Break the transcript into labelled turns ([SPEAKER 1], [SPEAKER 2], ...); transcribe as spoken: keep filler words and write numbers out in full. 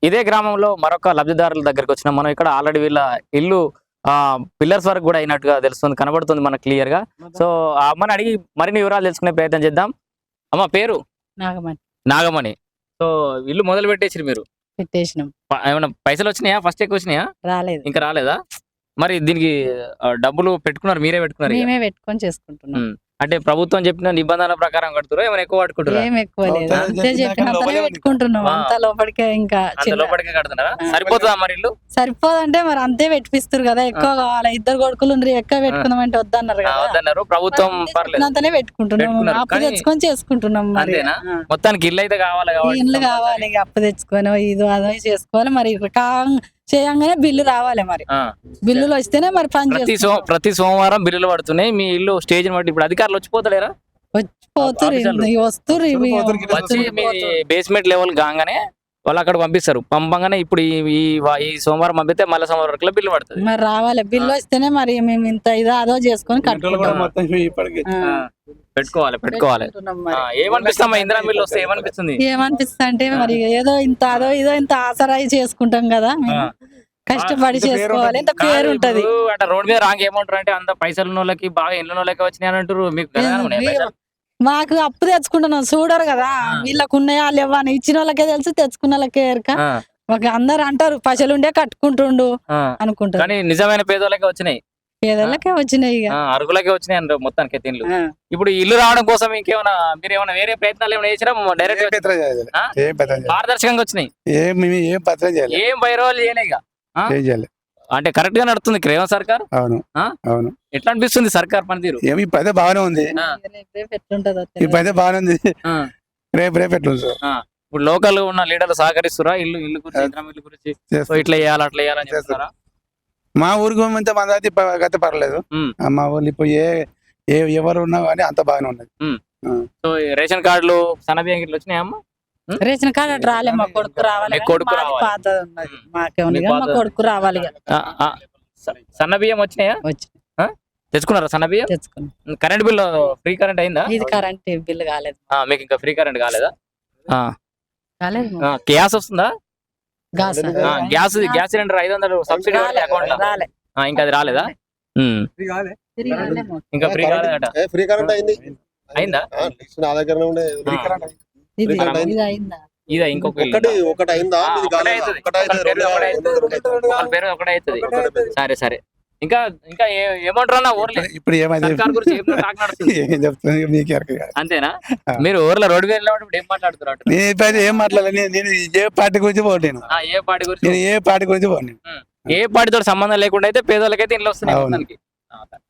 [SPEAKER 1] ఇదే గ్రామంలో మరొక లబ్ధిదారుల దగ్గరికి వచ్చిన మనం ఇక్కడ ఆల్రెడీ వీళ్ళ ఇల్లు ఆ పిల్లర్స్ వరకు కూడా అయినట్టుగా తెలుస్తుంది, కనబడుతుంది మనకు క్లియర్ గా. సో ఆ అమ్మని అడిగి మరిన్ని వివరాలు తెలుసుకునే ప్రయత్నం చేద్దాం. అమ్మ పేరు
[SPEAKER 2] నాగమణి.
[SPEAKER 1] నాగమణి. సో ఇల్లు మొదలు పెట్టేసి మీరు
[SPEAKER 2] పెట్టేసినాం.
[SPEAKER 1] ప- ఏమైనా పైసలు వచ్చినాయా? ఫస్ట్ ఎక్కువ వచ్చినాయా?
[SPEAKER 2] రాలేదు,
[SPEAKER 1] ఇంకా రాలేదా? మరి దీనికి ఆ, డబ్బులు పెట్టుకున్నారు, మీరే పెట్టుకున్నారు ఇక?
[SPEAKER 2] మేమే పెట్టుకొని చేసుకుంటున్నాం.
[SPEAKER 1] ఉమ్. అంటే ప్రభుత్వం చెప్పిన నిబంధనల ప్రకారం కడుతురా, ఏమైనా ఎక్కువ పట్టుకుంటారా?
[SPEAKER 2] ఏం ఎక్కువ లేదు,
[SPEAKER 3] అవుతా
[SPEAKER 2] అంతే చెప్పినంతనే పెట్టుకుంటున్నాం.
[SPEAKER 1] ఆ.
[SPEAKER 2] అంత లోపలికే ఇంకా
[SPEAKER 1] అంత
[SPEAKER 2] చిన్న-
[SPEAKER 1] లోపలికే కడుతున్నారా?
[SPEAKER 2] ఆ.
[SPEAKER 1] సరిపోతుందా మరి ఇల్లు?
[SPEAKER 2] సరిపోదంటే మరి అంతే పెట్టిస్తారు కదా, ఎక్కువ కావాలి. ఇద్దరు కొడుకులు ఉండ్రి, ఎక్కువ పెట్టుకుందాం అంటే వద్దన్నారు
[SPEAKER 1] ఆ,
[SPEAKER 2] కదా.
[SPEAKER 1] వద్దన్నారు. ప్రభుత్వం
[SPEAKER 2] అంతే
[SPEAKER 1] పర్లేదు.
[SPEAKER 2] చెప్పినంతనే పెట్టుకుంటున్నాం,
[SPEAKER 1] పెట్టుకున్నారు.
[SPEAKER 2] అప్పు
[SPEAKER 1] కానీ-
[SPEAKER 2] తెచ్చుకొని చేసుకుంటున్నాం. మరి
[SPEAKER 1] అంతేనా?
[SPEAKER 2] ఆ.
[SPEAKER 1] మొత్తానికి ఇల్లు అయితే కావాలి కాబట్టి
[SPEAKER 2] ఇల్లు కావాలి, ఇక అప్పు తెచ్చుకొని ఇది అదో చేసుకోవాలి. మరి కా చేయంగానే బిల్లు రావాలి. మరి
[SPEAKER 1] ఆ.
[SPEAKER 2] బిల్లులు వస్తేనే మరి పని
[SPEAKER 1] ప్రతి సో
[SPEAKER 2] చేసుకుంటాం.
[SPEAKER 1] ప్రతి సోమవారం బిల్లులు పడుతున్నాయి. మీ ఇల్లు స్టేజ్ బట్టి ఇప్పుడు అధికారులు వచ్చిపోతలేరా?
[SPEAKER 2] పోతురు
[SPEAKER 1] ఆఫీసర్లు.
[SPEAKER 2] వస్తురు ఇవి
[SPEAKER 3] పోతురు, గిట్ల
[SPEAKER 1] వచ్చి మీ బేస్మెంట్ లెవెల్ కాగానే వాళ్ళు అక్కడ పంపిస్తారు. పంపంగానే ఇప్పుడు ఈ ఈ వా- ఈ సోమవారం పంపితే మళ్ళీ సోమవారం వరకు బిల్లు పడుతుంది.
[SPEAKER 2] మరి రావాలి, బిల్లు వస్తేనే మరి మేము ఇంత ఇదో అదో చేసుకొని కట్టుకుంటాం.
[SPEAKER 3] మొత్తం ఇప్పటికి
[SPEAKER 2] ఆ.
[SPEAKER 1] ఆ, పెట్టుకోవాలి పెట్టుకోవాలి.
[SPEAKER 2] పెట్టుకుంటున్నాం
[SPEAKER 1] ఆ,
[SPEAKER 2] మరి.
[SPEAKER 1] ఏమనిపిస్తామా ఇందిరా బిల్లు వస్తే ఏమనిపిస్తుంది?
[SPEAKER 2] ఏమనిపిస్తుంది అంటే మరి ఏదో ఇంత అదో ఇదో ఇంత ఆసరాయి చేసుకుంటాం కదా మేము.
[SPEAKER 1] ఆ.
[SPEAKER 2] కష్టపడి
[SPEAKER 3] ఇంత పేరు
[SPEAKER 2] చేసుకోవాలి, ఇంత
[SPEAKER 1] కాదు,
[SPEAKER 2] పేరు ఉంటది.
[SPEAKER 1] ఇప్పుడు అట్లా రోడ్ మీద రాంగ్ ఏమంటారు అంటే అంత పైసలు ఉన్న వాళ్ళకి బాగా ఇల్లు వాళ్ళకి వచ్చినాయి అని అంటారు. మీకు గదగానే ఉన్నాయా పైసలు?
[SPEAKER 2] మాకు అప్పు తెచ్చుకుంటున్నాం, చూడరు కదా వీళ్ళకు ఉన్నాయా లేవా అని. ఇచ్చిన వాళ్ళకే తెలుసు, తెచ్చుకున్న వాళ్ళకే ఎరక.
[SPEAKER 1] ఆ,
[SPEAKER 2] మాకు అందరు అంటారు పైసలు ఉండే కట్టుకుంటుండు
[SPEAKER 1] ఆ.
[SPEAKER 2] అనుకుంటారు.
[SPEAKER 1] కానీ నిజమైన పేదోళ్ళకే వచ్చినాయి,
[SPEAKER 2] పేదలకే వచ్చినాయి ఇక.
[SPEAKER 1] ఆ, అరుగులకే వచ్చినాయి అంటారు మొత్తానికి అయితే ఇల్లు.
[SPEAKER 2] ఆ.
[SPEAKER 1] ఇప్పుడు ఈ ఇల్లు రావడం కోసం ఇంకేమైనా మీరు ఏమైనా వేరే ప్రయత్నాలు ఏమైనా చేసినా
[SPEAKER 3] ఏం
[SPEAKER 1] డైరెక్ట్
[SPEAKER 3] పత్రం చేయలేదు.
[SPEAKER 1] ఆ?
[SPEAKER 3] ఏం పత్రం చేయలేదు.
[SPEAKER 1] పారదర్శకంగా వచ్చినాయి,
[SPEAKER 3] ఏం మేము ఏం పత్రం చేయలేదు.
[SPEAKER 1] ఏం బైరోలు చేయలే ఇక. ఆ?
[SPEAKER 3] ఏం చేయలేదు.
[SPEAKER 1] అంటే కరెక్ట్ గా నడుస్తుంది రేవంత్ సర్కార్.
[SPEAKER 3] అవును
[SPEAKER 1] ఆ?
[SPEAKER 3] అవును.
[SPEAKER 1] ఎట్లా అనిపిస్తుంది సర్కార్ పనితీరు?
[SPEAKER 3] ఏమి ఈ పదే బాగానే ఉంది.
[SPEAKER 1] ఆ.
[SPEAKER 2] రేపు రేపు ఎట్లుంటదో
[SPEAKER 3] ఈ
[SPEAKER 2] తెలియదు.
[SPEAKER 3] పదే బాగానే ఉంది.
[SPEAKER 1] ఆ,
[SPEAKER 3] రేపు రేపు ఎట్లా ఉంది సార్?
[SPEAKER 1] ఆ. ఇప్పుడు లోకల్ ఉన్న లీడర్లు సహకరిస్తురా ఇల్లు ఇల్లు గురించి, ఇందిరమ్మ ఇల్లు గురించి? సో
[SPEAKER 3] చేస్తాం.
[SPEAKER 1] ఇట్లా చేయాలి అట్లా చేయాలని చెప్తారా?
[SPEAKER 3] మా ఊరికి అంత మంది అయితే ప- గత పర్లేదు.
[SPEAKER 1] ఉమ్.
[SPEAKER 3] ఆ, మా ఊళ్ళు ఇప్పుడు ఏ ఏ ఎవరు ఉన్నా కానీ అంత బాగానే ఉన్నది.
[SPEAKER 1] సో ఈ రేషన్ కార్డులు సన్నబియ్యం గిట్ల వచ్చినాయమ్మా?
[SPEAKER 2] రేషన్ కార్డు అటు రాలే, మా కొడుకు రావాలి.
[SPEAKER 1] మీ
[SPEAKER 2] కానీ
[SPEAKER 1] కొడుకు
[SPEAKER 2] మాది
[SPEAKER 1] రావాలి.
[SPEAKER 2] పాతది ఉన్నది, మాకే ఉంది
[SPEAKER 1] మీ
[SPEAKER 2] కానీ మా
[SPEAKER 1] పాతది.
[SPEAKER 2] కొడుకు రావాలి ఇక.
[SPEAKER 1] ఆ, ఆ. స- సన్నబియ్యం వచ్చినాయా?
[SPEAKER 2] వచ్చి
[SPEAKER 1] తెచ్చుకున్నారా సన్నబియ్యం?
[SPEAKER 2] తెచ్చుకున్నాం.
[SPEAKER 1] కరెంట్ బిల్ ఫ్రీ కరెంట్ అయిందా?
[SPEAKER 2] ఇది కరెంట్ బిల్లు కాలేదు,
[SPEAKER 1] ఆ, మీకు ఇంకా ఫ్రీ కరెంట్ కాలేదా? ఆ,
[SPEAKER 2] కాలేదు.
[SPEAKER 1] ఆ, గ్యాస్ వస్తుందా?
[SPEAKER 2] గాస్
[SPEAKER 1] ఆ, గ్యాస్ గ్యాస్ సిలిండర్ ఐదు వందలు సబ్సిడీ
[SPEAKER 2] రాలే,
[SPEAKER 1] అకౌంట్ లో
[SPEAKER 2] రాలే.
[SPEAKER 1] ఆ, ఇంకా అది రాలేదా? ఉమ్.
[SPEAKER 2] తిరిగి రాలేమో.
[SPEAKER 1] ఇంకా ఫ్రీ కాలేదట.
[SPEAKER 4] ఏ ఫ్రీ కరెంట్ అయింది.
[SPEAKER 1] అయిందా?
[SPEAKER 4] ఆ, లిస్ట్ నా దగ్గరనే ఉండే.
[SPEAKER 1] ఆ.
[SPEAKER 2] ఇది
[SPEAKER 4] కరెంట్ అయింది.
[SPEAKER 2] ఇది అయిందా?
[SPEAKER 1] ఇదా ఇంకొక ఇల్లు
[SPEAKER 4] ఒకటి
[SPEAKER 1] ఉందా?
[SPEAKER 4] ఒకటి అయిందా?
[SPEAKER 1] ఆ,
[SPEAKER 4] ఇది
[SPEAKER 1] ఒకటే
[SPEAKER 4] కాలేదా?
[SPEAKER 1] అవుతుంది.
[SPEAKER 4] ఒకటి అయితే
[SPEAKER 1] ఒకరి పేరు
[SPEAKER 4] రెండు
[SPEAKER 1] ఒకటే
[SPEAKER 4] రెండు
[SPEAKER 1] అవుతుంది.
[SPEAKER 4] రెండు
[SPEAKER 1] ఒకరి పేరు ఒకటే అవుతుంది.
[SPEAKER 4] ఒకటే అవుతుంది.
[SPEAKER 1] సరే సరే. ఇంకా ఇంకా ఏ- ఏమంటారు అన్న ఊర్లో
[SPEAKER 3] ఇప్పుడు ఏమైంది?
[SPEAKER 1] సర్కార్ గురించి ఏం టాక్ నడుస్తుంది?
[SPEAKER 3] ఏం చెప్తుంది మీకు ఎరక కాదు.
[SPEAKER 1] అంతేనా?
[SPEAKER 3] ఆ.
[SPEAKER 1] మీరు ఊర్లో రోడ్డు మీద వెళ్ళినప్పుడు ఏం మాట్లాడుతున్నారు అటు?
[SPEAKER 3] నేను ఇప్పుడు ఏం మాట్లాడలేదు. నేను నేను ఏ పార్టీ గురించి పోటీను.
[SPEAKER 1] ఆ, ఏ పార్టీ గురించి?
[SPEAKER 3] నేను ఏ పార్టీ గురించి పోను.
[SPEAKER 1] ఏ పార్టీతో సంబంధం లేకుండా అయితే పేదోళ్ళకైతే ఇంట్లో వస్తున్నాయి
[SPEAKER 3] అవును.
[SPEAKER 1] మొత్తానికి. ఆ,